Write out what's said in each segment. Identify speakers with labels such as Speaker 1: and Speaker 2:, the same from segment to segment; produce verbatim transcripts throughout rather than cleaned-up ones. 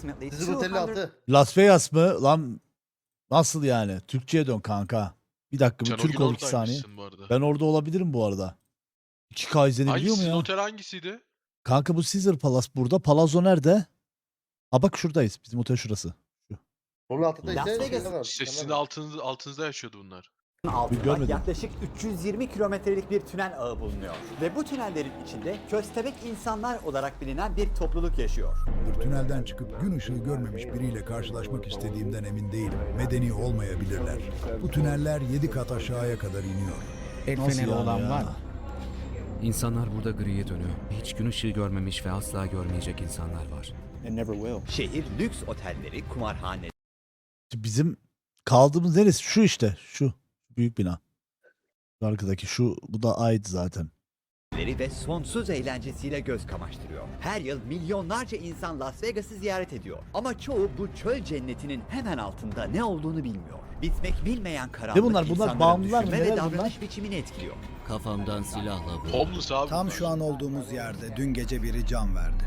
Speaker 1: approximately
Speaker 2: Sizin otelin
Speaker 1: two hundred
Speaker 2: altı.
Speaker 3: Las Vegas mı? Lan nasıl yani? Türkçe'ye dön kanka. Bir dakika bir
Speaker 4: Sen o
Speaker 3: Türk
Speaker 4: gün
Speaker 3: ol iki saniye.
Speaker 4: oradaymışsın bu arada.
Speaker 3: Ben orada olabilirim bu arada. iki K izlenebiliyor
Speaker 4: Hangisi?
Speaker 3: mu
Speaker 4: Sizin
Speaker 3: ya?
Speaker 4: otel hangisiydi?
Speaker 3: Kanka bu Caesar Palace burada. Palazzo nerede? Ha bak şuradayız. Bizim otel şurası.
Speaker 2: Onun altında
Speaker 1: Las
Speaker 2: ise
Speaker 1: Vegas.
Speaker 2: şeyler var,
Speaker 4: İşte sizin
Speaker 2: dükkanlar var.
Speaker 4: altınızda, altınızda yaşıyordu bunlar.
Speaker 1: altında
Speaker 3: görmedim.
Speaker 1: yaklaşık üç yüz yirmi kilometrelik bir tünel ağı bulunuyor. Ve bu tünellerin içinde köstebek insanlar olarak bilinen bir topluluk yaşıyor.
Speaker 5: Tünelden çıkıp gün ışığı görmemiş biriyle karşılaşmak istediğimden emin değilim. Medeni olmayabilirler. Bu tüneller yedi kat aşağıya kadar iniyor.
Speaker 6: El
Speaker 3: Nasıl
Speaker 6: feneri
Speaker 3: yani
Speaker 6: olan
Speaker 3: ya?
Speaker 6: var mı?
Speaker 7: İnsanlar burada griye dönüyor. Hiç gün ışığı görmemiş ve asla görmeyecek insanlar var.
Speaker 1: Şehir lüks otelleri, kumarhaneleri
Speaker 3: Bizim kaldığımız neresi? Şu işte. Şu. Büyük bina. Şu arkadaki şu. Bu da ait zaten.
Speaker 1: ve sonsuz eğlencesiyle göz kamaştırıyor. Her yıl milyonlarca insan Las Vegas'ı ziyaret ediyor. Ama çoğu bu çöl cennetinin hemen altında ne olduğunu bilmiyor. Bitmek bilmeyen karanlık
Speaker 3: Ne bunlar? Bunlar
Speaker 1: insanların
Speaker 3: bağımlılar mı?
Speaker 1: düşünme ve
Speaker 3: Neler
Speaker 1: davranış
Speaker 3: bunlar?
Speaker 1: biçimini etkiliyor.
Speaker 7: Kafamdan silahla vur.
Speaker 4: Homeless abi.
Speaker 8: Tam
Speaker 4: bunlar.
Speaker 8: şu an olduğumuz yerde dün gece biri can verdi.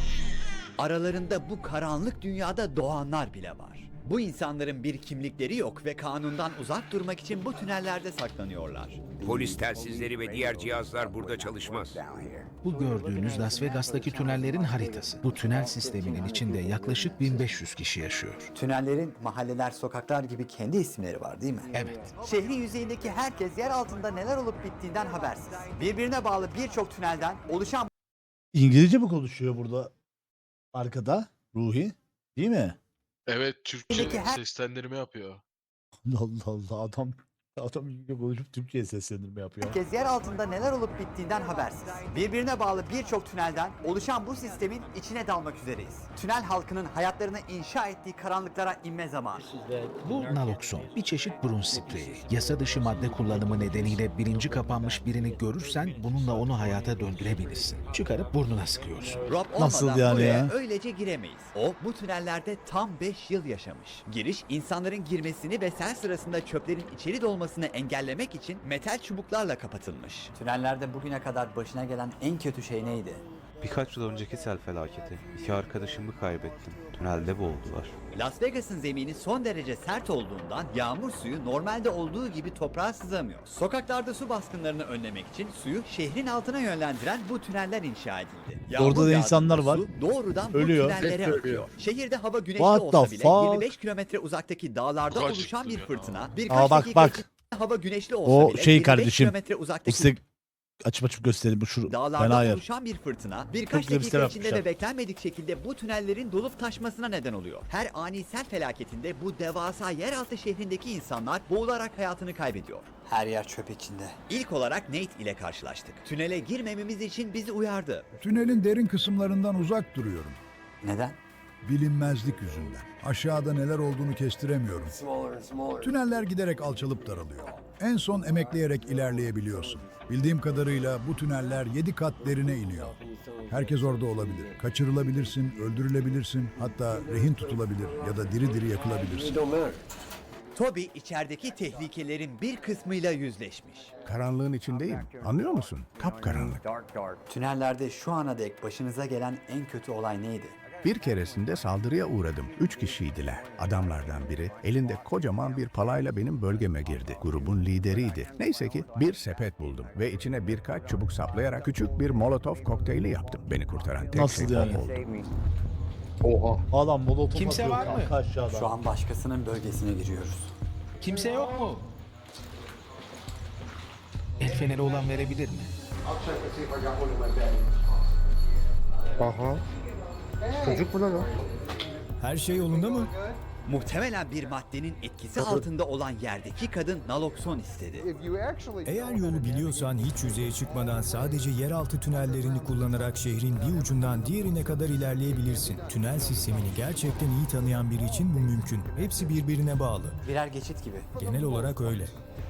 Speaker 1: Aralarında bu karanlık dünyada doğanlar bile var. Bu insanların bir kimlikleri yok ve kanundan uzak durmak için bu tünellerde saklanıyorlar.
Speaker 9: Polis telsizleri ve diğer cihazlar burada çalışmaz.
Speaker 6: Bu gördüğünüz Las Vegas'taki tünellerin haritası. Bu tünel sisteminin içinde yaklaşık bin beş yüz kişi yaşıyor.
Speaker 1: Tünellerin mahalleler, sokaklar gibi kendi isimleri var değil mi?
Speaker 6: Evet.
Speaker 1: Şehrin yüzeyindeki herkes yer altında neler olup bittiğinden habersiz. Birbirine bağlı birçok tünelden oluşan
Speaker 3: İngilizce mi konuşuyor burada? Arkada. Ruhi. Değil mi?
Speaker 4: Evet, Türkçe
Speaker 1: Peki her-
Speaker 4: seslendirme yapıyor.
Speaker 3: Allah Allah adam adam İngilizce konuşup Türkçe'ye seslendirme yapıyor.
Speaker 1: herkes yer altında neler olup bittiğinden habersiz. Birbirine bağlı birçok tünelden oluşan bu sistemin içine dalmak üzereyiz. Tünel halkının hayatlarını inşa ettiği karanlıklara inme zamanı.
Speaker 6: Bu nalokson, bir çeşit burun spreyi. Yasa dışı madde kullanımı nedeniyle bilinci kapanmış birini görürsen bununla onu hayata döndürebilirsin. Çıkarıp burnuna sıkıyorsun.
Speaker 1: Rob
Speaker 3: Nasıl
Speaker 1: olmadan
Speaker 3: yani
Speaker 1: buraya
Speaker 3: ya?
Speaker 1: öylece giremeyiz. O bu tünellerde tam beş yıl yaşamış. Giriş insanların girmesini ve sel sırasında çöplerin içeri dolmasını engellemek için metal çubuklarla kapatılmış. Tünellerde bugüne kadar başına gelen en kötü şey neydi?
Speaker 10: Birkaç yıl önceki sel felaketi. İki arkadaşımı kaybettim. Tünelde boğuldular.
Speaker 1: Las Vegas'ın zemini son derece sert olduğundan yağmur suyu normalde olduğu gibi toprağa sızamıyor. Sokaklarda su baskınlarını önlemek için suyu şehrin altına yönlendiren bu tüneller inşa edildi. Yağmur
Speaker 3: Orada da
Speaker 1: yağdığında
Speaker 3: insanlar var.
Speaker 1: su doğrudan
Speaker 3: Ölüyor.
Speaker 1: bu tünellere
Speaker 2: Hep
Speaker 1: akıyor. Şehirde hava güneşli
Speaker 3: What
Speaker 1: olsa
Speaker 3: the
Speaker 1: bile
Speaker 3: fuck?
Speaker 1: yirmi beş kilometre uzaktaki dağlarda
Speaker 4: Kaç
Speaker 1: oluşan bir
Speaker 4: çıktı ya?
Speaker 1: fırtına birkaç
Speaker 3: Aa bak
Speaker 1: dakika
Speaker 3: bak.
Speaker 1: içinde hava güneşli olsa
Speaker 3: O
Speaker 1: bile
Speaker 3: şey
Speaker 1: yirmi beş
Speaker 3: kardeşim.
Speaker 1: kilometre uzaktaki
Speaker 3: Size açıp açıp göstereyim bu şu fena
Speaker 1: dağlarda
Speaker 3: yer.
Speaker 1: oluşan bir fırtına birkaç
Speaker 3: Çok güzel bir
Speaker 1: dakika
Speaker 3: sistem
Speaker 1: içinde
Speaker 3: yapmışlar.
Speaker 1: ve beklenmedik şekilde bu tünellerin dolup taşmasına neden oluyor. Her ani sel felaketinde bu devasa yeraltı şehrindeki insanlar boğularak hayatını kaybediyor. Her yer çöp içinde. İlk olarak Nate ile karşılaştık. Tünele girmememiz için bizi uyardı.
Speaker 5: Tünelin derin kısımlarından uzak duruyorum.
Speaker 1: Neden?
Speaker 5: Bilinmezlik yüzünden. Aşağıda neler olduğunu kestiremiyorum. Tüneller giderek alçalıp daralıyor. En son emekleyerek ilerleyebiliyorsun. Bildiğim kadarıyla bu tüneller yedi kat derine iniyor. Herkes orada olabilir. Kaçırılabilirsin, öldürülebilirsin, hatta rehin tutulabilir ya da diri diri yakılabilirsin.
Speaker 1: Toby içerideki tehlikelerin bir kısmıyla yüzleşmiş.
Speaker 8: Karanlığın içindeyim. Anlıyor musun? Kapkaranlık.
Speaker 1: Tünellerde şu ana dek başınıza gelen en kötü olay neydi?
Speaker 8: Bir keresinde saldırıya uğradım. Üç kişiydiler. Adamlardan biri elinde kocaman bir palayla benim bölgeme girdi. Grubun lideriydi. Neyse ki bir sepet buldum ve içine birkaç çubuk saplayarak küçük bir molotof kokteyli yaptım. Beni kurtaran tek
Speaker 3: Nasıl
Speaker 8: şey
Speaker 3: yani?
Speaker 8: o oldu.
Speaker 2: Oha.
Speaker 3: Adam molotof
Speaker 6: Kimse
Speaker 3: atıyor
Speaker 6: var mı?
Speaker 3: kanka aşağıdan.
Speaker 1: Şu an başkasının bölgesine giriyoruz.
Speaker 6: Kimse yok mu? El feneri olan verebilir mi?
Speaker 2: Aha. Çocuk mu lan o?
Speaker 8: Her şey yolunda mı?
Speaker 1: Muhtemelen bir maddenin etkisi altında olan yerdeki kadın nalokson istedi.
Speaker 8: Eğer yolu biliyorsan hiç yüzeye çıkmadan sadece yeraltı tünellerini kullanarak şehrin bir ucundan diğerine kadar ilerleyebilirsin. Tünel sistemini gerçekten iyi tanıyan biri için bu mümkün. Hepsi birbirine bağlı.
Speaker 1: Birer geçit gibi.
Speaker 8: Genel olarak öyle.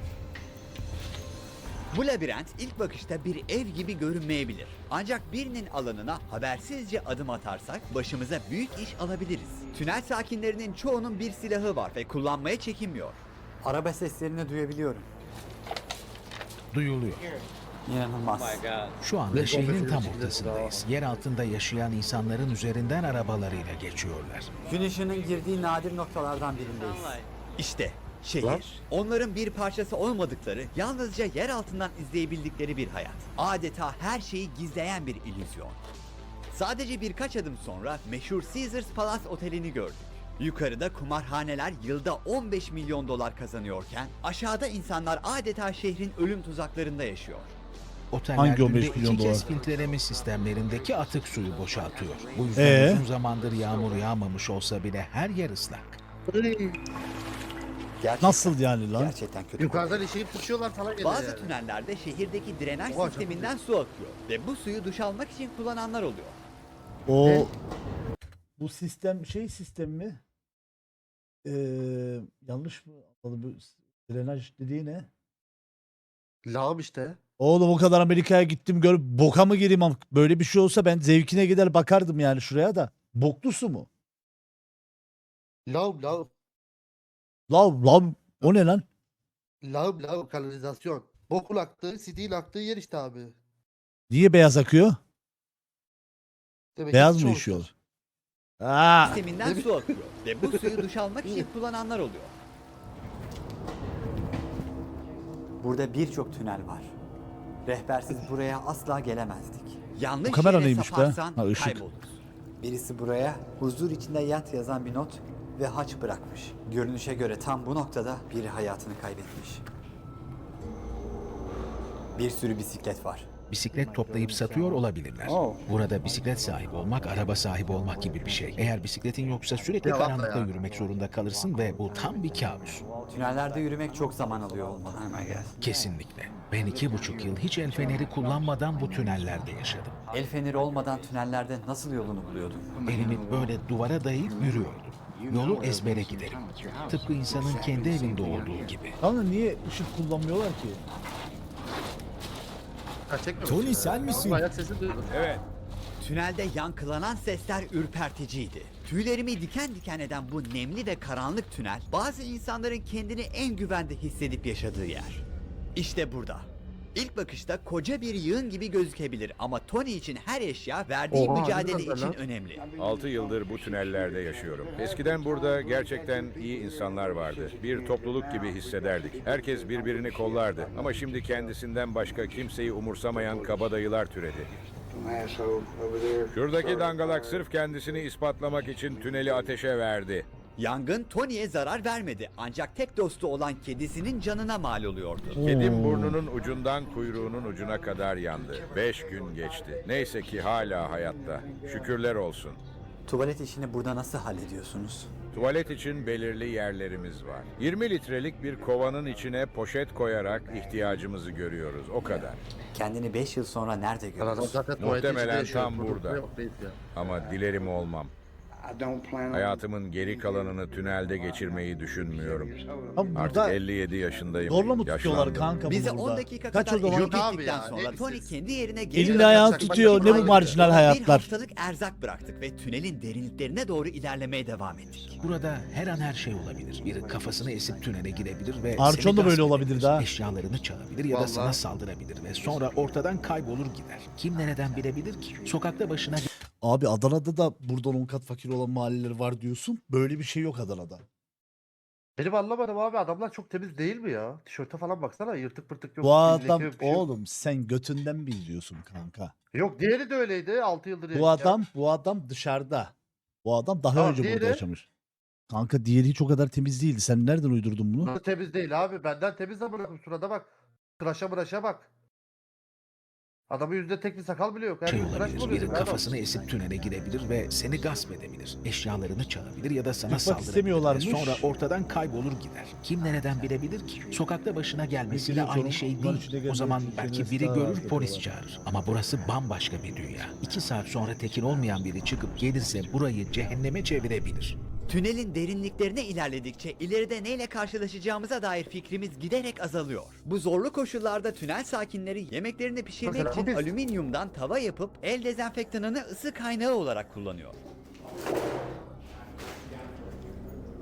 Speaker 1: Bu labirent ilk bakışta bir ev gibi görünmeyebilir. Ancak birinin alanına habersizce adım atarsak başımıza büyük iş alabiliriz. Tünel sakinlerinin çoğunun bir silahı var ve kullanmaya çekinmiyor. Araba seslerini duyabiliyorum.
Speaker 6: Duyuluyor.
Speaker 1: İnanılmaz.
Speaker 6: Şu anda şehrin tam ortasındayız. Yer altında yaşayan insanların üzerinden arabalarıyla geçiyorlar.
Speaker 1: Gün ışığının girdiği nadir noktalardan birindeyiz. İşte şehir.
Speaker 2: Lan.
Speaker 1: Onların bir parçası olmadıkları, yalnızca yer altından izleyebildikleri bir hayat. Adeta her şeyi gizleyen bir illüzyon. Sadece birkaç adım sonra meşhur Caesars Palace Oteli'ni gördük. Yukarıda kumarhaneler yılda on beş milyon dolar kazanıyorken aşağıda insanlar adeta şehrin ölüm tuzaklarında yaşıyor.
Speaker 6: Oteller
Speaker 3: Hangi on beş
Speaker 6: günde
Speaker 3: milyon
Speaker 6: iki kez
Speaker 3: dolar?
Speaker 6: filtreleme sistemlerindeki atık suyu boşaltıyor. Bu yüzden
Speaker 3: Ee?
Speaker 6: uzun zamandır yağmur yağmamış olsa bile her yer ıslak.
Speaker 1: Gerçekten,
Speaker 3: Nasıl yani lan?
Speaker 1: Gerçekten kötü.
Speaker 2: Yukarıdan işeyip tutuyorlar falan geliyor
Speaker 1: Bazı
Speaker 2: yani.
Speaker 1: tünellerde şehirdeki drenaj
Speaker 2: Oha, çok
Speaker 1: sisteminden su akıyor ve bu suyu duş almak için kullananlar oluyor.
Speaker 3: O
Speaker 2: Ne?
Speaker 3: bu sistem şey sistem mi? Ee, yanlış mı? Bu drenaj dediği ne?
Speaker 2: Lağım işte.
Speaker 3: Oğlum o kadar Amerika'ya gittim görüp boka mı gireyim? am- Böyle bir şey olsa ben zevkine gider bakardım yani şuraya da. Boklu su mu?
Speaker 2: Lağım lağım.
Speaker 3: Lan lan o ne lan?
Speaker 2: Lağım lağım kanalizasyon. Bokun aktığı, sidiğin aktığı yer işte abi.
Speaker 3: Niye beyaz akıyor?
Speaker 2: Demek ki
Speaker 3: Beyaz mı
Speaker 2: çoğu-
Speaker 3: işiyor? Aa,
Speaker 1: Sisteminden su akıyor ve bu suyu duş almak için kullananlar oluyor. Burada birçok tünel var. Rehbersiz buraya asla gelemezdik. Yanlış
Speaker 3: Bu kamera
Speaker 1: yere
Speaker 3: neymiş be?
Speaker 1: saparsan
Speaker 3: Ha, ışık.
Speaker 1: kayboluruz. Birisi buraya huzur içinde yat yazan bir not ve haç bırakmış. Görünüşe göre tam bu noktada biri hayatını kaybetmiş. Bir sürü bisiklet var.
Speaker 6: Bisiklet toplayıp satıyor olabilirler. Burada bisiklet sahibi olmak, araba sahibi olmak gibi bir şey. Eğer bisikletin yoksa sürekli
Speaker 2: Yalan
Speaker 6: karanlıkta
Speaker 2: ya.
Speaker 6: yürümek zorunda kalırsın ve bu tam bir kabus.
Speaker 1: Tünellerde yürümek çok zaman alıyor olmalı.
Speaker 6: Kesinlikle. Ben iki buçuk yıl hiç el feneri kullanmadan bu tünellerde yaşadım.
Speaker 1: El feneri olmadan tünellerde nasıl yolunu buluyordun?
Speaker 6: Elimi böyle duvara dayayıp yürüyordum. Yolu ezbere giderim. Tıpkı insanın kendi evinde olduğu gibi.
Speaker 3: kanka niye ışık kullanmıyorlar ki?
Speaker 2: Ha, çekmemiş
Speaker 6: Tony,
Speaker 2: ya.
Speaker 6: sen misin?
Speaker 2: Ama ayak sesi duydum.
Speaker 1: Evet. Tünelde yankılanan sesler ürperticiydi. Tüylerimi diken diken eden bu nemli ve karanlık tünel, bazı insanların kendini en güvende hissedip yaşadığı yer. İşte burada. İlk bakışta koca bir yığın gibi gözükebilir ama Tony için her eşya verdiği
Speaker 2: Oha,
Speaker 1: mücadele
Speaker 2: harbiden
Speaker 1: için
Speaker 2: lan.
Speaker 1: önemli.
Speaker 9: altı yıldır bu tünellerde yaşıyorum. Eskiden burada gerçekten iyi insanlar vardı. Bir topluluk gibi hissederdik. Herkes birbirini kollardı. Ama şimdi kendisinden başka kimseyi umursamayan kabadayılar türedi. Şuradaki dangalak sırf kendisini ispatlamak için tüneli ateşe verdi.
Speaker 1: Yangın Tony'ye zarar vermedi ancak tek dostu olan kedisinin canına mal oluyordu.
Speaker 9: Kedim burnunun ucundan kuyruğunun ucuna kadar yandı. Beş gün geçti. Neyse ki hala hayatta. Şükürler olsun.
Speaker 1: Tuvalet işini burada nasıl hallediyorsunuz?
Speaker 9: Tuvalet için belirli yerlerimiz var. yirmi litrelik bir kovanın içine poşet koyarak ihtiyacımızı görüyoruz. O kadar.
Speaker 1: Kendini beş yıl sonra nerede
Speaker 2: Adam
Speaker 1: görüyorsun?
Speaker 2: zaten tuvaletin
Speaker 9: Muhtemelen
Speaker 2: içinde yaşıyor.
Speaker 9: tam
Speaker 2: Burada
Speaker 9: burada.
Speaker 2: yok, değil ya.
Speaker 9: Ama dilerim olmam. Hayatımın geri kalanını tünelde geçirmeyi düşünmüyorum.
Speaker 3: Abi
Speaker 9: Artık
Speaker 3: burada
Speaker 9: elli yedi yaşındayım.
Speaker 3: zorla mı tutuyorlar
Speaker 9: Yaşlandım.
Speaker 3: kanka
Speaker 1: Bize
Speaker 3: bunu
Speaker 1: on
Speaker 3: burada?
Speaker 1: dakika
Speaker 3: Kaç
Speaker 1: kadar
Speaker 3: o zaman?
Speaker 2: Yok
Speaker 1: eşlik
Speaker 2: abi
Speaker 1: ettikten
Speaker 2: ya,
Speaker 1: sonra
Speaker 2: ne
Speaker 1: Tony
Speaker 2: siz-
Speaker 1: kendi yerine geri
Speaker 3: Elini
Speaker 1: döndü.
Speaker 3: ayağını
Speaker 2: Bak,
Speaker 3: tutuyor.
Speaker 2: bak,
Speaker 3: Ne bu
Speaker 2: bak.
Speaker 3: marjinal
Speaker 1: Bir
Speaker 3: hayatlar?
Speaker 1: haftalık erzak bıraktık ve tünelin derinliklerine doğru ilerlemeye devam ettik.
Speaker 6: Burada her an her şey olabilir. Biri kafasını esip tünele girebilir ve
Speaker 3: Arçon
Speaker 6: seni
Speaker 3: da böyle
Speaker 6: gasp
Speaker 3: olabilir
Speaker 6: edebilir.
Speaker 3: daha.
Speaker 6: Eşyalarını çalabilir ya da
Speaker 2: Vallahi.
Speaker 6: sana saldırabilir ve sonra ortadan kaybolur gider. Kim nereden bilebilir ki? Sokakta başına
Speaker 3: Abi Adana'da da buradan on kat fakir olan mahalleler var diyorsun. Böyle bir şey yok Adana'da.
Speaker 2: Benim anlamadım abi, adamlar çok temiz değil mi ya? Tişörte falan baksana, yırtık pırtık yok.
Speaker 3: Bu
Speaker 2: bir
Speaker 3: adam
Speaker 2: leke yok, bir şey yok.
Speaker 3: oğlum sen götünden mi izliyorsun kanka?
Speaker 2: Yok, diğeri de öyleydi altı yıldır.
Speaker 3: Bu
Speaker 2: ya.
Speaker 3: adam bu adam dışarıda. Bu adam daha
Speaker 2: Tamam,
Speaker 3: önce burada
Speaker 2: diğeri?
Speaker 3: yaşamış. Kanka diğeri hiç o kadar temiz değildi. Sen nereden uydurdun bunu?
Speaker 2: Nasıl temiz değil abi? Benden temiz de bırakın, şurada bak. Tıraşa mıraşa bak. Adamın yüzünde tek bir sakal bile yok. Her
Speaker 6: şey
Speaker 2: gün tıraş mı
Speaker 6: olabilir.
Speaker 2: oluyorsun
Speaker 6: Biri
Speaker 2: adam?
Speaker 6: kafasını esip tünele girebilir ve seni gasp edebilir. Eşyalarını çalabilir ya da sana
Speaker 3: Yıkmak
Speaker 6: saldırabilir ve
Speaker 3: istemiyorlarmış.
Speaker 6: sonra ortadan kaybolur gider. Kim nereden bilebilir ki? Sokakta başına gelmesiyle
Speaker 3: Biliyorum,
Speaker 6: aynı şey
Speaker 3: bunların içinde
Speaker 6: değil. O
Speaker 3: gelmek
Speaker 6: zaman
Speaker 3: için
Speaker 6: belki
Speaker 3: kendisi
Speaker 6: biri
Speaker 3: daha
Speaker 6: görür
Speaker 3: rahat
Speaker 6: polis
Speaker 3: yapıyorlar.
Speaker 6: çağırır. Ama burası bambaşka bir dünya. İki saat sonra tekin olmayan biri çıkıp gelirse burayı cehenneme çevirebilir.
Speaker 1: Tünelin derinliklerine ilerledikçe ileride neyle karşılaşacağımıza dair fikrimiz giderek azalıyor. Bu zorlu koşullarda tünel sakinleri yemeklerini pişirmek
Speaker 2: Mesela
Speaker 1: için
Speaker 2: biz-
Speaker 1: alüminyumdan tava yapıp el dezenfektanını ısı kaynağı olarak kullanıyor.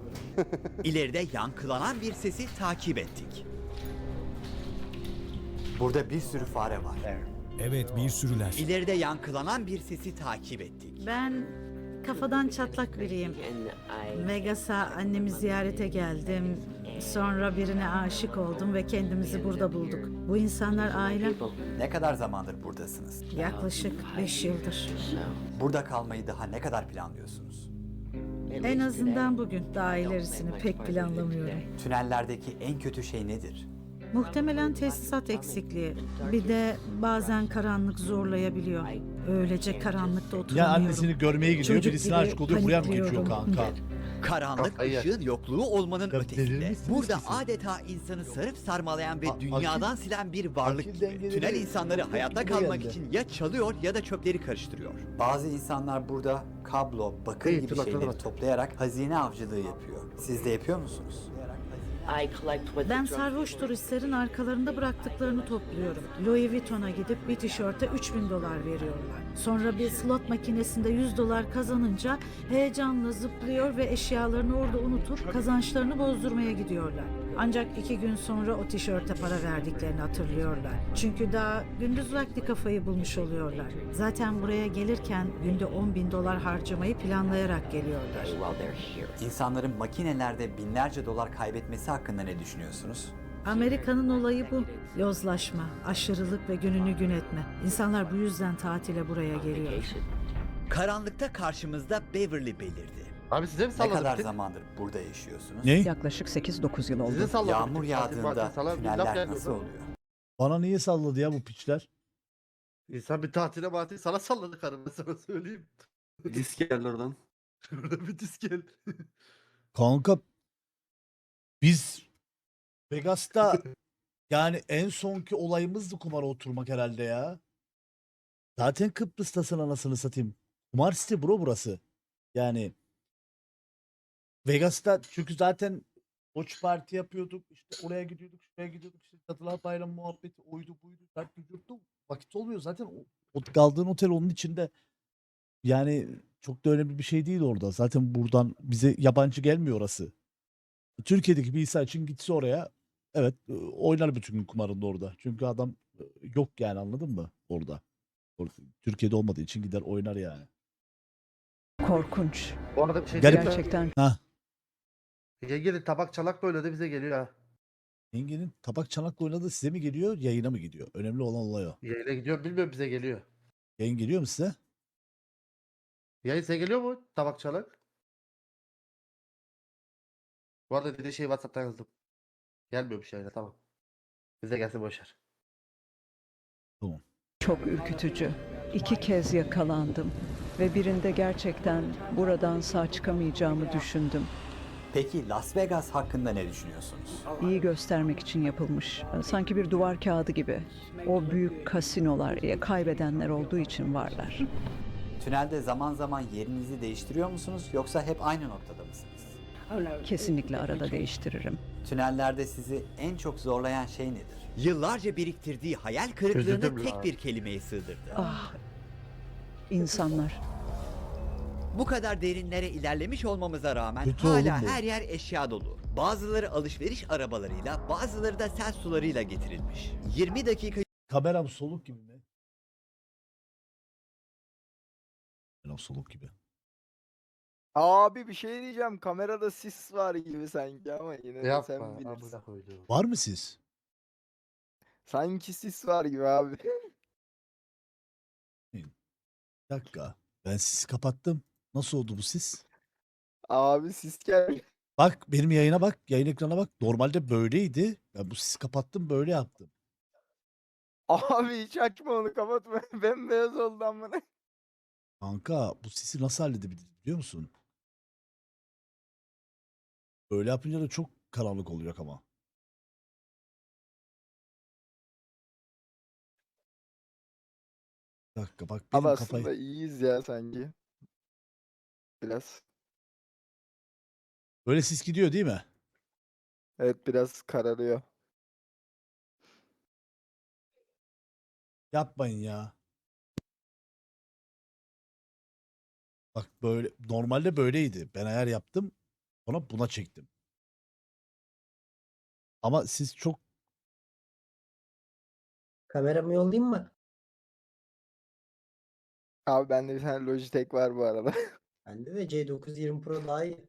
Speaker 1: İleride yankılanan bir sesi takip ettik. Burada bir sürü fare var.
Speaker 5: Evet, bir sürüler.
Speaker 1: İleride yankılanan bir sesi takip ettik.
Speaker 11: Ben kafadan çatlak biriyim. Vegas'a annemi ziyarete geldim. Sonra birine aşık oldum ve kendimizi burada bulduk. Bu insanlar ailem.
Speaker 1: Ne kadar zamandır buradasınız?
Speaker 11: Yaklaşık beş yıldır.
Speaker 1: Burada kalmayı daha ne kadar planlıyorsunuz?
Speaker 11: En azından bugün, daha ilerisini pek planlamıyorum.
Speaker 1: Tünellerdeki en kötü şey nedir?
Speaker 11: Muhtemelen tesisat eksikliği. Bir de bazen karanlık zorlayabiliyor. Öylece karanlıkta
Speaker 3: Ya
Speaker 11: oturamıyorum.
Speaker 3: annesini görmeye gidiyor,
Speaker 11: Çocuk
Speaker 3: birisine
Speaker 11: gibi
Speaker 3: aşık oluyor, buraya mı geçiyor
Speaker 11: panikliyorum.
Speaker 3: kanka?
Speaker 1: Karanlık
Speaker 2: Kafayı yer.
Speaker 1: ışığın yokluğu olmanın
Speaker 3: Ya
Speaker 1: ötesinde.
Speaker 3: delirirsin
Speaker 1: Burada
Speaker 3: siz.
Speaker 1: adeta insanı sarıp sarmalayan ve
Speaker 3: A-
Speaker 1: dünyadan silen bir varlık
Speaker 3: akil
Speaker 1: gibi.
Speaker 3: dengeleri
Speaker 1: Tünel insanları
Speaker 3: yok
Speaker 1: hayatta
Speaker 3: gibi
Speaker 1: kalmak
Speaker 3: geldi.
Speaker 1: için ya çalıyor ya da çöpleri karıştırıyor. Bazı insanlar burada kablo, bakır
Speaker 2: İyi,
Speaker 1: gibi
Speaker 2: tırnaklara
Speaker 1: şeyleri
Speaker 2: bak.
Speaker 1: toplayarak hazine avcılığı yapıyor. Siz de yapıyor musunuz?
Speaker 11: Ben sarhoş turistlerin arkalarında bıraktıklarını topluyorum. Louis Vuitton'a gidip bir tişörte üç bin dolar veriyorlar. Sonra bir slot makinesinde yüz dolar kazanınca heyecanla zıplıyor ve eşyalarını orada unutup kazançlarını bozdurmaya gidiyorlar. Ancak iki gün sonra o tişörte para verdiklerini hatırlıyorlar. Çünkü daha gündüz vakti kafayı bulmuş oluyorlar. Zaten buraya gelirken günde on bin dolar harcamayı planlayarak geliyorlar.
Speaker 1: İnsanların makinelerde binlerce dolar kaybetmesi hakkında ne düşünüyorsunuz?
Speaker 11: Amerika'nın olayı bu. Yozlaşma, aşırılık ve gününü gün etme. İnsanlar bu yüzden tatile buraya geliyor.
Speaker 1: Karanlıkta karşımızda Beverly belirdi.
Speaker 2: Abi size mi
Speaker 1: Ne
Speaker 2: salladık?
Speaker 1: kadar
Speaker 2: tek?
Speaker 1: zamandır burada yaşıyorsunuz?
Speaker 3: Ne?
Speaker 12: Yaklaşık sekiz dokuz yıl
Speaker 2: Size
Speaker 12: oldu.
Speaker 2: salladık.
Speaker 1: Yağmur
Speaker 2: tek. Fatih
Speaker 1: yağdığında
Speaker 2: Fatih sana bir laf
Speaker 1: tüneller
Speaker 2: geldi
Speaker 1: nasıl
Speaker 2: oradan.
Speaker 1: oluyor?
Speaker 3: Bana niye salladı ya bu piçler?
Speaker 2: İnsan bir tatile matile sana salladı karım, ben sana söyleyeyim.
Speaker 10: Disk geldi oradan.
Speaker 2: Şurada bir disk gel.
Speaker 3: Kanka biz Vegas'ta yani en sonki olayımızdı kumara oturmak herhalde ya. Zaten Kıbrıs'tasın anasını satayım. Kumar site bro burası. Yani Vegas'ta çünkü zaten Watch Party yapıyorduk. İşte oraya gidiyorduk, şuraya gidiyorduk. İşte Cadılar Bayramı muhabbeti oydu buydu. Dert vücuttu. Vakit olmuyor zaten. O, o kaldığın otel onun içinde. Yani çok da önemli bir şey değil orada. Zaten buradan bize yabancı gelmiyor orası. Türkiye'deki bir insan için gitse oraya evet e, oynar bütün gün kumarında orada. Çünkü adam e, yok yani anladın mı orada. Orada- Türkiye'de olmadığı için gider oynar yani.
Speaker 12: Korkunç.
Speaker 2: Bu arada bir şey
Speaker 3: Garip.
Speaker 2: diyeyim mi?
Speaker 12: Gerçekten
Speaker 3: Ha.
Speaker 2: Yengeli tabak çalak böyle de bize geliyor ha.
Speaker 3: Yengenin tabak çanakla oynadığı size mi geliyor yayına mı gidiyor? Önemli olan olay o.
Speaker 2: Yayına gidiyor bilmiyorum, bize geliyor.
Speaker 3: Yayın geliyor mu size?
Speaker 2: Yayın size geliyor mu tabak çalak? Bu arada dediği şey WhatsApp'tan yazdım. Gelmiyormuş yayına, tamam. Bize gelsin boşver.
Speaker 12: çok ürkütücü. İki kez yakalandım ve birinde gerçekten buradan sağ çıkamayacağımı düşündüm.
Speaker 1: Peki Las Vegas hakkında ne düşünüyorsunuz?
Speaker 12: İyi göstermek için yapılmış. Sanki bir duvar kağıdı gibi. O büyük kasinolar ya kaybedenler olduğu için varlar.
Speaker 1: Tünelde zaman zaman yerinizi değiştiriyor musunuz yoksa hep aynı noktada mısınız?
Speaker 12: Kesinlikle arada değiştiririm.
Speaker 1: Tünellerde sizi en çok zorlayan şey nedir? Yıllarca biriktirdiği hayal kırıklığını
Speaker 2: Üzüldüm
Speaker 1: tek
Speaker 2: ya.
Speaker 1: bir kelimeye sığdırdı.
Speaker 12: Ah, insanlar.
Speaker 1: Bu kadar derinlere ilerlemiş olmamıza rağmen
Speaker 3: Kötü
Speaker 1: hala
Speaker 3: oğlum bu.
Speaker 1: her yer eşya dolu. Bazıları alışveriş arabalarıyla, bazıları da sel sularıyla getirilmiş. yirmi dakika
Speaker 3: Kameram soluk gibi mi? Kameram soluk gibi.
Speaker 13: Abi bir şey diyeceğim. Kamerada sis var gibi sanki ama yine de
Speaker 2: Yapma.
Speaker 13: sen bilirsin.
Speaker 2: Amına koyduğum.
Speaker 3: Var mı siz?
Speaker 13: Sanki sis var gibi abi.
Speaker 3: Bir dakika. Ben sisi kapattım. Nasıl oldu bu sis?
Speaker 13: Abi sis geldi.
Speaker 3: Bak benim yayına bak. Yayın ekrana bak. Normalde böyleydi. Ben bu sisi kapattım böyle yaptım.
Speaker 13: Abi hiç açma onu, kapatma. Bembeyaz oldu amına.
Speaker 3: Kanka bu sisi nasıl halledebiliriz biliyor musun? Böyle yapınca da çok karanlık oluyor ama. Bir dakika bak benim
Speaker 13: Abi
Speaker 3: kafayı...
Speaker 13: aslında iyiyiz ya sanki. Biraz.
Speaker 3: Böyle sis gidiyor değil mi?
Speaker 13: Evet, biraz kararıyor.
Speaker 3: Yapmayın ya. Bak böyle normalde böyleydi. Ben ayar yaptım. Sonra buna çektim. Ama siz çok
Speaker 14: Kameramı yollayayım mı?
Speaker 13: Abi bende bir tane Logitech var bu arada.
Speaker 14: Bende de C dokuz yirmi Pro daha iyi.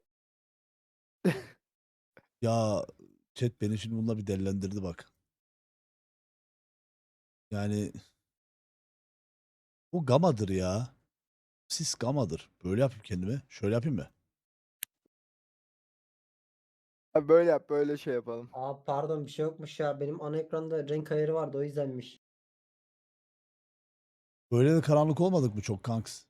Speaker 3: Ya chat beni şimdi bununla bir delilendirdi bak. Yani bu gamadır ya. Sis gamadır. Böyle yapayım kendime. Şöyle yapayım mı?
Speaker 13: Abi böyle yap, böyle şey yapalım.
Speaker 14: Aa pardon bir şey yokmuş ya. Benim ana ekranda renk ayarı vardı o yüzdenmiş.
Speaker 3: Böyle de karanlık olmadık mı çok kanks?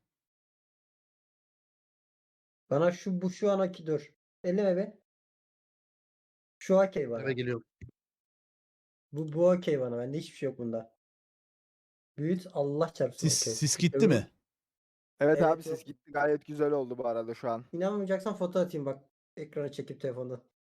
Speaker 14: Bana şu bu şu anaki dur. Elleme be. Şu okey bana.
Speaker 2: Eve geliyorum.
Speaker 14: Bu bu okey bana. Bende hiçbir şey yok bunda. Büyüt Allah çarpsın
Speaker 3: Sis,
Speaker 14: okey.
Speaker 3: sis gitti
Speaker 14: Öbür-
Speaker 3: mi?
Speaker 13: Evet,
Speaker 14: Evet,
Speaker 13: abi
Speaker 14: yok.
Speaker 13: siz gitti, gayet güzel oldu bu arada şu an.
Speaker 14: İnanmayacaksan foto atayım bak. Ekrana çekip telefonda.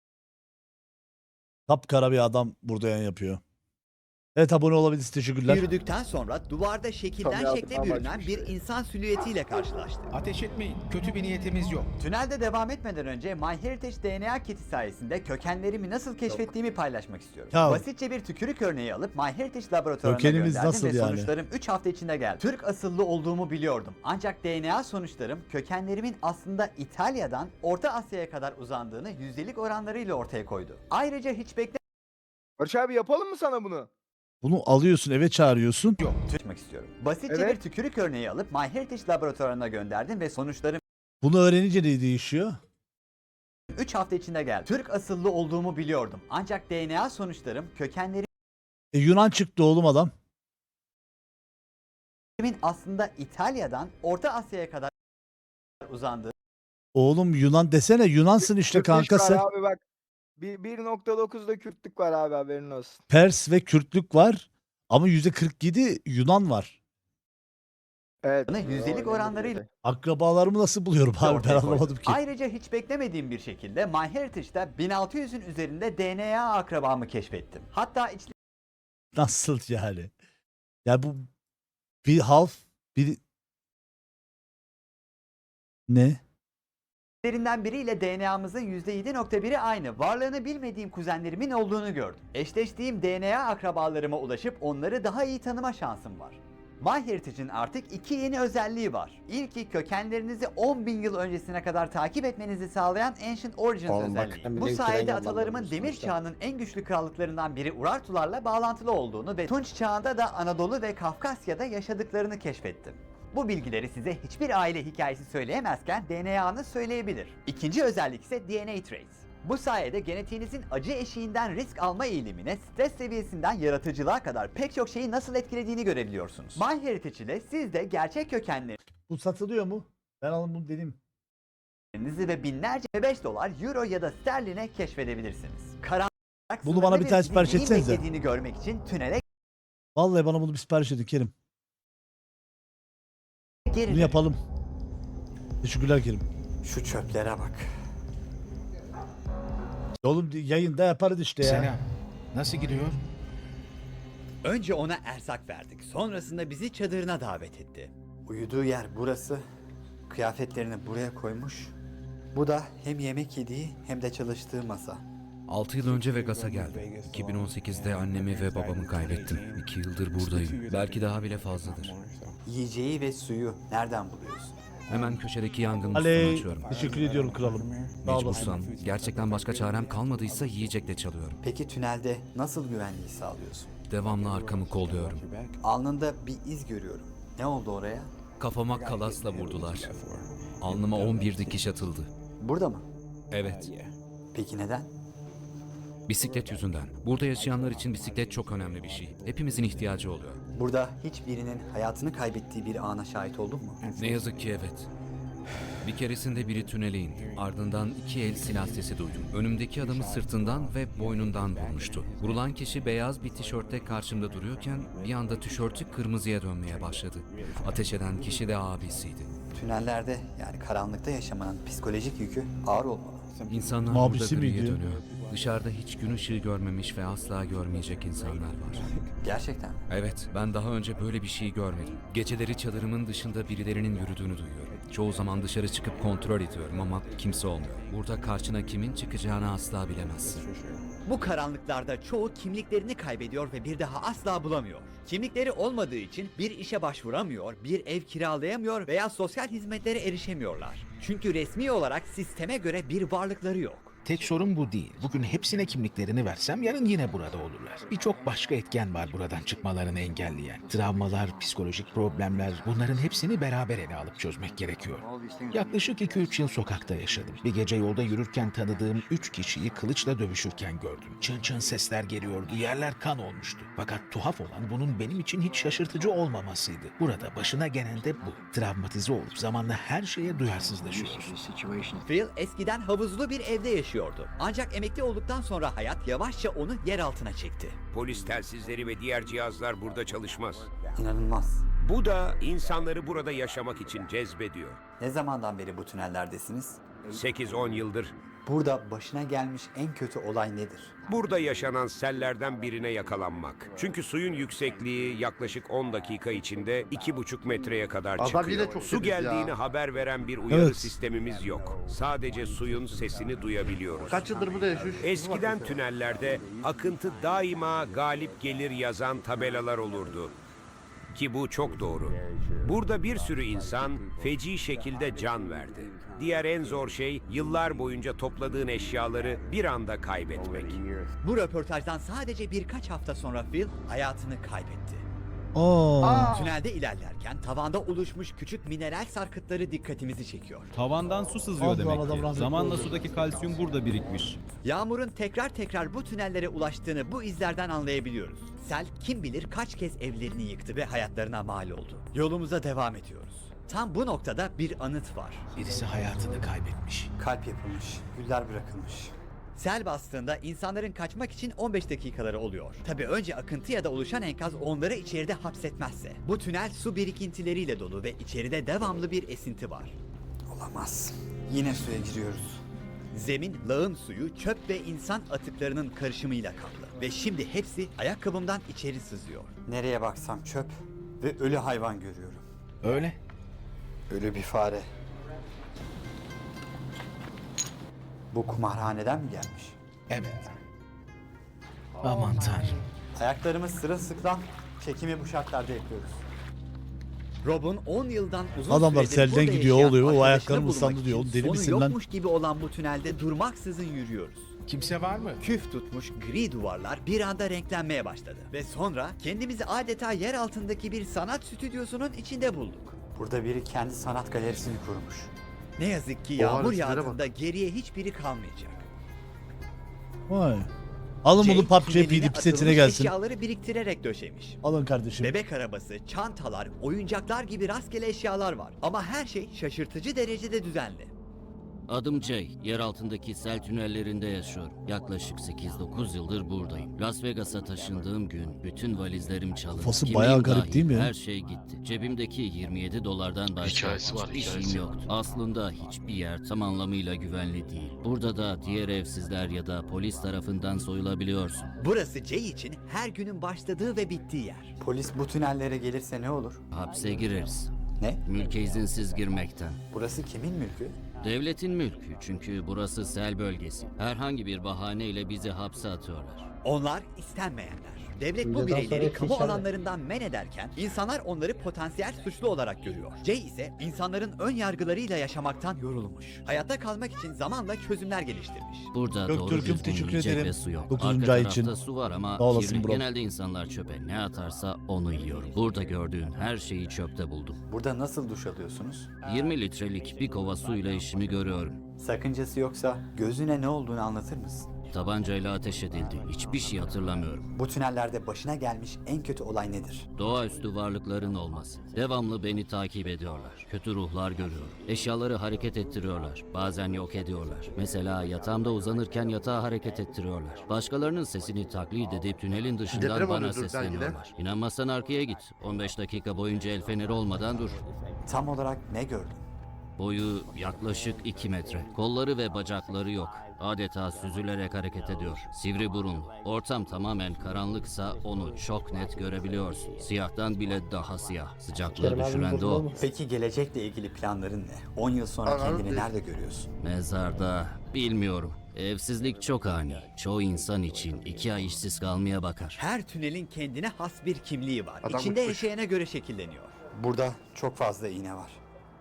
Speaker 3: Kapkara bir adam burada yan yapıyor. Evet abone olabilirsiniz. Teşekkürler.
Speaker 1: Yürüdükten sonra duvarda şekilden
Speaker 13: Tabii
Speaker 1: şekle
Speaker 13: adam
Speaker 1: bürünen
Speaker 13: açmış
Speaker 1: bir
Speaker 13: ya.
Speaker 1: insan silüetiyle karşılaştık.
Speaker 6: Ateş etmeyin. Kötü bir niyetimiz yok.
Speaker 1: Tünelde devam etmeden önce MyHeritage D N A kiti sayesinde kökenlerimi nasıl keşfettiğimi paylaşmak istiyorum.
Speaker 3: Ya.
Speaker 1: Basitçe bir tükürük örneği alıp MyHeritage laboratuvarına
Speaker 3: Kökenimiz
Speaker 1: gönderdim
Speaker 3: nasıl
Speaker 1: ve
Speaker 3: yani?
Speaker 1: sonuçlarım üç hafta içinde geldi. Türk asıllı olduğumu biliyordum. Ancak D N A sonuçlarım kökenlerimin aslında İtalya'dan Orta Asya'ya kadar uzandığını yüzdelik oranlarıyla ortaya koydu. Ayrıca hiç
Speaker 13: Barış abi yapalım mı sana bunu?
Speaker 3: Bunu alıyorsun eve çağırıyorsun.
Speaker 1: beklememek istiyorum. Basitçe
Speaker 13: Evet.
Speaker 1: bir tükürük örneği alıp MyHeritage laboratuvarına gönderdim ve sonuçlarım
Speaker 3: Bunu öğrenince ne değişiyor?
Speaker 1: üç hafta içinde geldi. Türk asıllı olduğumu biliyordum. Ancak D N A sonuçlarım kökenlerimin
Speaker 3: E, Yunan çıktı oğlum adam.
Speaker 1: aslında İtalya'dan Orta Asya'ya kadar uzandığı
Speaker 3: Oğlum Yunan desene. Yunansın işte
Speaker 13: Kürtleş
Speaker 3: kanka
Speaker 13: var
Speaker 3: sen.
Speaker 13: abi bak. Bir- bir nokta dokuzda Kürtlük var abi, haberin olsun.
Speaker 3: Pers ve Kürtlük var. Ama yüzde kırk yedi Yunan var.
Speaker 13: Evet.
Speaker 1: yüzdelik
Speaker 13: o önemli
Speaker 1: oranlarıyla
Speaker 13: bir
Speaker 3: Akrabalarımı nasıl buluyorum abi ben
Speaker 1: ortaya koydu.
Speaker 3: anlamadım ki.
Speaker 1: Ayrıca hiç beklemediğim bir şekilde MyHeritage'da bin altı yüzün üzerinde D N A akrabamı keşfettim. Hatta
Speaker 3: Nasıl yani? Ya bu bir half bir ne?
Speaker 1: içlerinden biriyle D N A'mızın yüzde yedi nokta biri aynı. Varlığını bilmediğim kuzenlerimin olduğunu gördüm. Eşleştiğim D N A akrabalarıma ulaşıp onları daha iyi tanıma şansım var. MyHeritage'in artık iki yeni özelliği var. İlki kökenlerinizi on bin yıl öncesine kadar takip etmenizi sağlayan Ancient Origins
Speaker 14: Oğlum bak,
Speaker 1: özelliği.
Speaker 14: sen
Speaker 1: Bu
Speaker 14: benim
Speaker 1: sayede
Speaker 14: tren
Speaker 1: atalarımın
Speaker 14: yollanmamışsın
Speaker 1: demir
Speaker 14: sonuçta.
Speaker 1: çağının en güçlü krallıklarından biri Urartularla bağlantılı olduğunu ve Tunç çağında da Anadolu ve Kafkasya'da yaşadıklarını keşfettim. Bu bilgileri size hiçbir aile hikayesi söyleyemezken D N A'nız söyleyebilir. İkinci özellik ise D N A Trace. Bu sayede genetiğinizin acı eşiğinden risk alma eğilimine, stres seviyesinden yaratıcılığa kadar pek çok şeyi nasıl etkilediğini görebiliyorsunuz. MyHeritage ile siz de gerçek kökenlerinizi
Speaker 3: Bu satılıyor mu? Ben alın bunu dedim.
Speaker 1: ve binlerce beş dolar, euro ya da sterline keşfedebilirsiniz. Karanlık
Speaker 3: Bunu bana bir tane
Speaker 1: sizi
Speaker 3: sipariş
Speaker 1: neyin
Speaker 3: etsenize.
Speaker 1: beklediğini görmek için tünele
Speaker 3: Vallahi bana bunu bir sipariş edin Kerim.
Speaker 1: geri
Speaker 3: Bunu
Speaker 1: dönün.
Speaker 3: yapalım. Teşekkürler Kerim.
Speaker 1: Şu çöplere bak.
Speaker 3: Oğlum yayında yaparız işte ya.
Speaker 6: Selam. Nasıl gidiyor?
Speaker 1: Önce ona erzak verdik. Sonrasında bizi çadırına davet etti. Uyuduğu yer burası. Kıyafetlerini buraya koymuş. Bu da hem yemek yediği hem de çalıştığı masa.
Speaker 7: altı yıl önce Vegas'a geldim. iki bin on sekizde annemi ve babamı kaybettim. iki yıldır buradayım. Belki daha bile fazladır.
Speaker 1: Yiyeceği ve suyu nereden buluyorsun?
Speaker 7: Hemen köşedeki yangın musluğunu
Speaker 3: Aley,
Speaker 7: açıyorum.
Speaker 3: teşekkür ediyorum kralım. Sağ olasın.
Speaker 7: Mecbursam, gerçekten başka çarem kalmadıysa yiyecekle çalıyorum.
Speaker 1: Peki tünelde nasıl güvenliği sağlıyorsun?
Speaker 7: Devamlı arkamı kolluyorum.
Speaker 1: Alnında bir iz görüyorum. Ne oldu oraya?
Speaker 7: Kafama kalasla vurdular. Alnıma on bir dikiş atıldı.
Speaker 1: Burada mı?
Speaker 7: Evet,
Speaker 1: Peki neden?
Speaker 7: bisiklet yüzünden. Burada yaşayanlar için bisiklet çok önemli bir şey. Hepimizin ihtiyacı oluyor.
Speaker 1: Burada hiçbirinin hayatını kaybettiği bir ana şahit oldun mu?
Speaker 7: Ne yazık ki evet. Bir keresinde biri tünele indi. Ardından iki el silah sesi duydum. Önümdeki adamı sırtından ve boynundan vurmuştu. Vurulan kişi beyaz bir tişörtte karşımda duruyorken bir anda tişörtü kırmızıya dönmeye başladı. Ateş eden kişi de abisiydi.
Speaker 1: Tünellerde yani karanlıkta yaşamanın psikolojik yükü ağır olmalı.
Speaker 7: İnsanlar
Speaker 3: Mabisi
Speaker 7: burada griye
Speaker 3: miydi?
Speaker 7: dönüyor. Dışarıda hiç gün ışığı görmemiş ve asla görmeyecek insanlar var.
Speaker 1: Gerçekten mi?
Speaker 7: Evet, ben daha önce böyle bir şey görmedim. Geceleri çadırımın dışında birilerinin yürüdüğünü duyuyorum. Çoğu zaman dışarı çıkıp kontrol ediyorum ama kimse olmuyor. Burada karşına kimin çıkacağını asla bilemezsin.
Speaker 1: Bu karanlıklarda çoğu kimliklerini kaybediyor ve bir daha asla bulamıyor. Kimlikleri olmadığı için bir işe başvuramıyor, bir ev kiralayamıyor veya sosyal hizmetlere erişemiyorlar. Çünkü resmi olarak sisteme göre bir varlıkları yok.
Speaker 6: Tek sorun bu değil. Bugün hepsine kimliklerini versem yarın yine burada olurlar. Birçok başka etken var buradan çıkmalarını engelleyen. Travmalar, psikolojik problemler, bunların hepsini beraber ele alıp çözmek gerekiyor. Yaklaşık iki üç yıl sokakta yaşadım. Bir gece yolda yürürken tanıdığım üç kişiyi kılıçla dövüşürken gördüm. Çın çın sesler geliyordu, yerler kan olmuştu. Fakat tuhaf olan bunun benim için hiç şaşırtıcı olmamasıydı. Burada başına gelen de bu. Travmatize olup zamanla her şeye duyarsızlaşıyorsun.
Speaker 1: Phil eskiden havuzlu bir evde yaşıyordu. Ancak emekli olduktan sonra hayat yavaşça onu yer altına çekti.
Speaker 15: Polis telsizleri ve diğer cihazlar burada çalışmaz.
Speaker 1: İnanılmaz.
Speaker 15: Bu da insanları burada yaşamak için cezbediyor.
Speaker 1: Ne zamandan beri bu tünellerdesiniz?
Speaker 15: sekiz on yıldır.
Speaker 1: Burada başına gelmiş en kötü olay nedir?
Speaker 15: Burada yaşanan sellerden birine yakalanmak. Çünkü suyun yüksekliği yaklaşık on dakika içinde iki buçuk metreye kadar
Speaker 2: Adam
Speaker 15: çıkıyor.
Speaker 2: yine çok
Speaker 15: Su
Speaker 2: temiz ya.
Speaker 15: geldiğini haber veren bir uyarı
Speaker 3: Evet.
Speaker 15: sistemimiz yok. Sadece suyun sesini duyabiliyoruz.
Speaker 2: Kaç yıldır burada yaşıyor?
Speaker 15: Eskiden tünellerde akıntı daima galip gelir yazan tabelalar olurdu. Ki bu çok doğru. Burada bir sürü insan feci şekilde can verdi. Diğer en zor şey yıllar boyunca topladığın eşyaları bir anda kaybetmek.
Speaker 1: Bu röportajdan sadece birkaç hafta sonra Phil hayatını kaybetti.
Speaker 3: Aa.
Speaker 1: Tünelde ilerlerken tavanda oluşmuş küçük mineral sarkıtları dikkatimizi çekiyor.
Speaker 16: Tavandan su sızıyor
Speaker 3: Allah
Speaker 16: demek
Speaker 3: Allah,
Speaker 16: ki.
Speaker 3: rahmetli
Speaker 16: Zamanla
Speaker 3: oldu.
Speaker 16: sudaki kalsiyum burada birikmiş.
Speaker 1: Yağmurun tekrar tekrar bu tünellere ulaştığını bu izlerden anlayabiliyoruz. Sel kim bilir kaç kez evlerini yıktı ve hayatlarına mal oldu. Yolumuza devam ediyoruz. Tam bu noktada bir anıt var.
Speaker 6: Birisi hayatını kaybetmiş.
Speaker 1: Kalp yapılmış, güller bırakılmış. Sel bastığında insanların kaçmak için on beş dakikaları oluyor. Tabii önce akıntı ya da oluşan enkaz onları içeride hapsetmezse. Bu tünel su birikintileriyle dolu ve içeride devamlı bir esinti var. Olamaz. Yine suya giriyoruz. Zemin, lağım suyu, çöp ve insan atıklarının karışımıyla kaplı. Ve şimdi hepsi ayakkabımdan içeri sızıyor. Nereye baksam çöp ve ölü hayvan görüyorum.
Speaker 6: Öyle.
Speaker 1: Ölü bir fare. Bu kumarhaneden mi gelmiş?
Speaker 6: Evet. Aman tanrım.
Speaker 1: Ayaklarımız sırılsıklam, çekimi bu şartlarda yapıyoruz. Rob'un on yıldan uzun
Speaker 3: Adamlar
Speaker 1: süredir
Speaker 3: selden
Speaker 1: burada
Speaker 3: gidiyor,
Speaker 1: yaşayan
Speaker 3: oluyor, o
Speaker 1: arkadaşını
Speaker 3: ayaklarım
Speaker 1: bulmak
Speaker 3: ıslandı
Speaker 1: için
Speaker 3: diyor. Oğlum deli
Speaker 1: sonu
Speaker 3: misin lan?
Speaker 1: yokmuş gibi olan bu tünelde durmaksızın yürüyoruz.
Speaker 6: Kimse var mı?
Speaker 1: Küf tutmuş gri duvarlar bir anda renklenmeye başladı. Ve sonra kendimizi adeta yer altındaki bir sanat stüdyosunun içinde bulduk. Burada biri kendi sanat galerisini kurmuş. Ne yazık ki
Speaker 2: Oha,
Speaker 1: yağmur
Speaker 2: resimlere bak.
Speaker 1: yağdığında geriye hiçbiri kalmayacak.
Speaker 3: Vay. Alın bunu
Speaker 1: Jay,
Speaker 3: P U B G
Speaker 1: tüneline
Speaker 3: P D setine
Speaker 1: atılmış
Speaker 3: gelsin.
Speaker 1: Eşyaları biriktirerek döşemiş.
Speaker 3: Alın kardeşim.
Speaker 1: Bebek arabası, çantalar, oyuncaklar gibi rastgele eşyalar var. Ama her şey şaşırtıcı derecede düzenli.
Speaker 17: Adım Jay. Yer altındaki sel tünellerinde yaşıyorum. Yaklaşık sekiz dokuz yıldır buradayım. Las Vegas'a taşındığım gün bütün valizlerim çalındı.
Speaker 3: Kafası
Speaker 17: Kimliğim
Speaker 3: bayağı garip
Speaker 17: dahil
Speaker 3: değil mi?
Speaker 17: Her şey gitti. Cebimdeki yirmi yedi dolardan başka
Speaker 4: Hikayesi var,
Speaker 17: hiçbir
Speaker 4: hikayesi.
Speaker 17: şeyim yoktu. Aslında hiçbir yer tam anlamıyla güvenli değil. Burada da diğer evsizler ya da polis tarafından soyulabiliyorsun.
Speaker 1: Burası Jay için her günün başladığı ve bittiği yer. Polis bu tünellere gelirse ne olur?
Speaker 17: Hapse gireriz.
Speaker 1: Ne?
Speaker 17: Mülke izinsiz girmekten.
Speaker 1: Burası kimin mülkü?
Speaker 17: Devletin mülkü çünkü burası sel bölgesi. Herhangi bir bahaneyle bizi hapse atıyorlar.
Speaker 1: Onlar istenmeyenler. Devlet bu
Speaker 14: Videodan
Speaker 1: bireyleri
Speaker 14: sonra
Speaker 1: kamu
Speaker 14: içeride.
Speaker 1: alanlarından men ederken insanlar onları potansiyel suçlu olarak görüyor. Jay ise insanların ön yargılarıyla yaşamaktan yorulmuş. Hayatta kalmak için zamanla çözümler geliştirmiş.
Speaker 17: Burada
Speaker 3: Göktürk'üm,
Speaker 17: doğru düzgün
Speaker 3: teşekkür
Speaker 17: yiyecek
Speaker 3: ederim.
Speaker 17: ve su yok.
Speaker 3: dokuzuncu
Speaker 17: Arka
Speaker 3: ay
Speaker 17: tarafta
Speaker 3: için.
Speaker 17: su var ama
Speaker 3: Sağ olasın
Speaker 17: kirli.
Speaker 3: bro.
Speaker 17: Genelde insanlar çöpe ne atarsa onu yiyorum. Burada gördüğün her şeyi çöpte buldum.
Speaker 1: Burada nasıl duş alıyorsunuz?
Speaker 17: yirmi litrelik bir kova suyla işimi görüyorum.
Speaker 1: Sakıncası yoksa gözüne ne olduğunu anlatır mısın?
Speaker 17: Tabancayla ateş edildi. Hiçbir şey hatırlamıyorum.
Speaker 1: Bu tünellerde başına gelmiş en kötü olay nedir?
Speaker 17: Doğaüstü varlıkların olması. Devamlı beni takip ediyorlar. Kötü ruhlar görüyorum. Eşyaları hareket ettiriyorlar. Bazen yok ediyorlar. Mesela yatağımda uzanırken yatağı hareket ettiriyorlar. Başkalarının sesini taklit edip tünelin dışından
Speaker 2: Deprem
Speaker 17: bana
Speaker 2: oluyordur belki de.
Speaker 17: sesleniyorlar. İnanmazsan arkaya git. on beş dakika boyunca el feneri olmadan dur.
Speaker 1: Tam olarak ne gördün?
Speaker 17: Boyu yaklaşık iki metre. Kolları ve bacakları yok. Adeta süzülerek hareket ediyor. Sivri burunlu. Ortam tamamen karanlıksa onu çok net görebiliyorsun. Siyahtan bile daha siyah. Sıcaklığı düşüren de o.
Speaker 1: Peki gelecekle ilgili planların ne? on yıl sonra kendini nerede görüyorsun?
Speaker 17: Mezarda bilmiyorum. Evsizlik çok ani. Çoğu insan için iki ay işsiz kalmaya bakar.
Speaker 1: Her tünelin kendine has bir kimliği var.
Speaker 2: Adam
Speaker 1: İçinde
Speaker 2: uçmuş.
Speaker 1: yaşayana göre şekilleniyor. Burada çok fazla iğne var.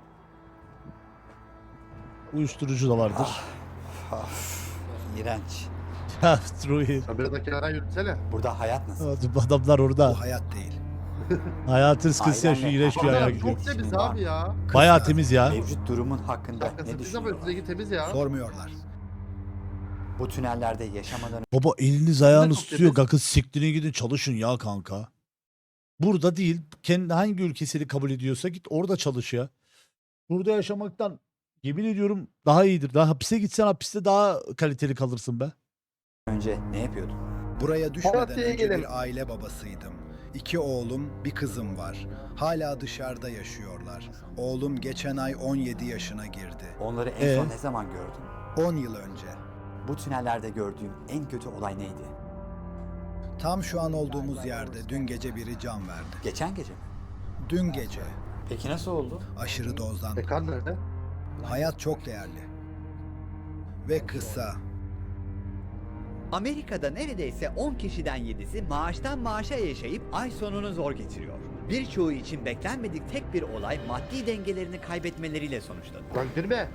Speaker 3: Uyuşturucu da vardır.
Speaker 1: Of, iğrenç.
Speaker 3: Ya Ruhi.
Speaker 2: Biraz da kenara yürütsene.
Speaker 1: Burada hayat nasıl?
Speaker 3: Adamlar orada.
Speaker 8: hayat değil.
Speaker 3: Hayatın sıkıntısı yaşıyor.
Speaker 1: Ailenle-
Speaker 3: İğrenç bir hayal
Speaker 2: Adam
Speaker 3: gidiyor.
Speaker 2: çok temiz abi ya.
Speaker 3: Bayağı temiz ya.
Speaker 1: Mevcut durumun hakkında
Speaker 2: Şakası
Speaker 1: ne
Speaker 2: biz ama
Speaker 1: düşünüyorsun?
Speaker 2: üstündeki temiz ya.
Speaker 8: Sormuyorlar.
Speaker 1: Bu tünellerde yaşamadan
Speaker 3: Baba eliniz ayağınız
Speaker 2: çok
Speaker 3: tutuyor.
Speaker 2: temiz.
Speaker 3: Kanka siktirin gidin çalışın ya kanka. Burada değil. Kendi hangi ülkesini kabul ediyorsa git orada çalış ya. Burada yaşamaktan yemin ediyorum daha iyidir. Daha hapise gitsen hapiste daha kaliteli kalırsın be.
Speaker 1: önce ne yapıyordun?
Speaker 8: Buraya
Speaker 13: düşmeden Malatya'ya önce gelin.
Speaker 8: bir aile babasıydım. İki oğlum, bir kızım var. Hala dışarıda yaşıyorlar. Oğlum geçen ay on yedi yaşına girdi.
Speaker 1: Onları en
Speaker 3: Ee?
Speaker 1: son ne zaman gördün?
Speaker 8: on yıl önce.
Speaker 1: Bu tünellerde gördüğün en kötü olay neydi?
Speaker 8: Tam şu an olduğumuz yerde dün gece biri can verdi.
Speaker 1: Geçen gece mi?
Speaker 8: Dün gece.
Speaker 1: Peki nasıl oldu?
Speaker 8: Aşırı dozdan.
Speaker 2: E kan nerede?
Speaker 8: Hayat çok değerli. Ve kısa.
Speaker 1: Amerika'da neredeyse on kişiden yedisi maaştan maaşa yaşayıp ay sonunu zor getiriyor. Birçoğu için beklenmedik tek bir olay maddi dengelerini kaybetmeleriyle sonuçlanıyor.
Speaker 2: Lan girme.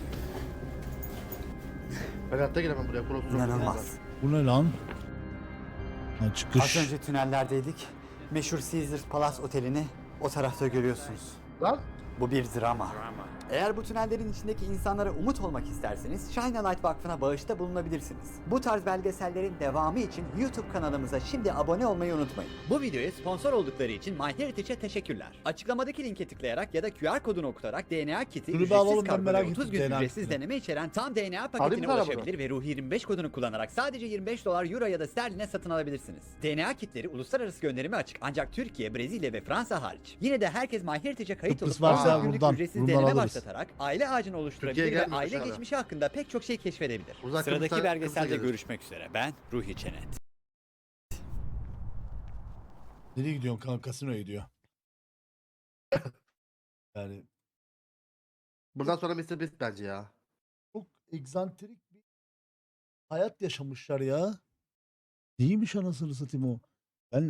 Speaker 2: Ben hayatta giremem buraya. Kurosuz
Speaker 1: İnanılmaz.
Speaker 3: Bu ne lan? Ha,
Speaker 1: Az
Speaker 3: çıkış.
Speaker 1: önce tünellerdeydik. Meşhur Caesars Palace Oteli'ni o tarafta görüyorsunuz.
Speaker 2: Lan.
Speaker 1: Bu bir drama. Eğer bu tünellerin içindeki insanlara umut olmak isterseniz Shine a Light Vakfı'na bağışta bulunabilirsiniz. Bu tarz belgesellerin devamı için YouTube kanalımıza şimdi abone olmayı unutmayın. Bu videoya sponsor oldukları için MyHeritage'e teşekkürler. Açıklamadaki linke tıklayarak ya da Q R kodunu okutarak D N A kiti
Speaker 3: Dur bir
Speaker 1: ücretsiz
Speaker 3: alalım, ben
Speaker 1: kargo
Speaker 3: merak
Speaker 1: ve otuz
Speaker 3: ettim
Speaker 1: gün
Speaker 3: D N A
Speaker 1: ücretsiz
Speaker 3: kitini.
Speaker 1: deneme içeren tam D N A
Speaker 2: Alayım
Speaker 1: paketine
Speaker 2: sana bunu.
Speaker 1: ulaşabilir ve Ruhi yirmi beş kodunu kullanarak sadece yirmi beş dolar, euro ya da sterline satın alabilirsiniz. D N A kitleri uluslararası gönderime açık ancak Türkiye, Brezilya ve Fransa hariç. Yine de herkes MyHeritage'e kayıt
Speaker 3: Kıbrıs
Speaker 1: olup
Speaker 3: varsa
Speaker 1: otuz günlük
Speaker 3: buradan,
Speaker 1: ücretsiz
Speaker 3: buradan
Speaker 1: deneme
Speaker 3: alırız.
Speaker 1: başlatarak aile ağacını oluşturabilir
Speaker 2: Türkiye'ye
Speaker 1: ve
Speaker 2: gelmiyor
Speaker 1: aile
Speaker 2: dışarıda.
Speaker 1: geçmişi hakkında pek çok şey keşfedebilir.
Speaker 2: Uzak
Speaker 1: Sıradaki
Speaker 2: Kıbrıs'a-
Speaker 1: belgeselde
Speaker 2: Kıbrıs'a
Speaker 1: görüşmek üzere. Ben Ruhi Çenet.
Speaker 3: Nereye gidiyorsun kanka? Kasinoya gidiyor. Yani
Speaker 2: Buradan sonra mister Beast bence ya.
Speaker 3: çok egzantrik bir hayat yaşamışlar ya. Neymiş anasını satayım o?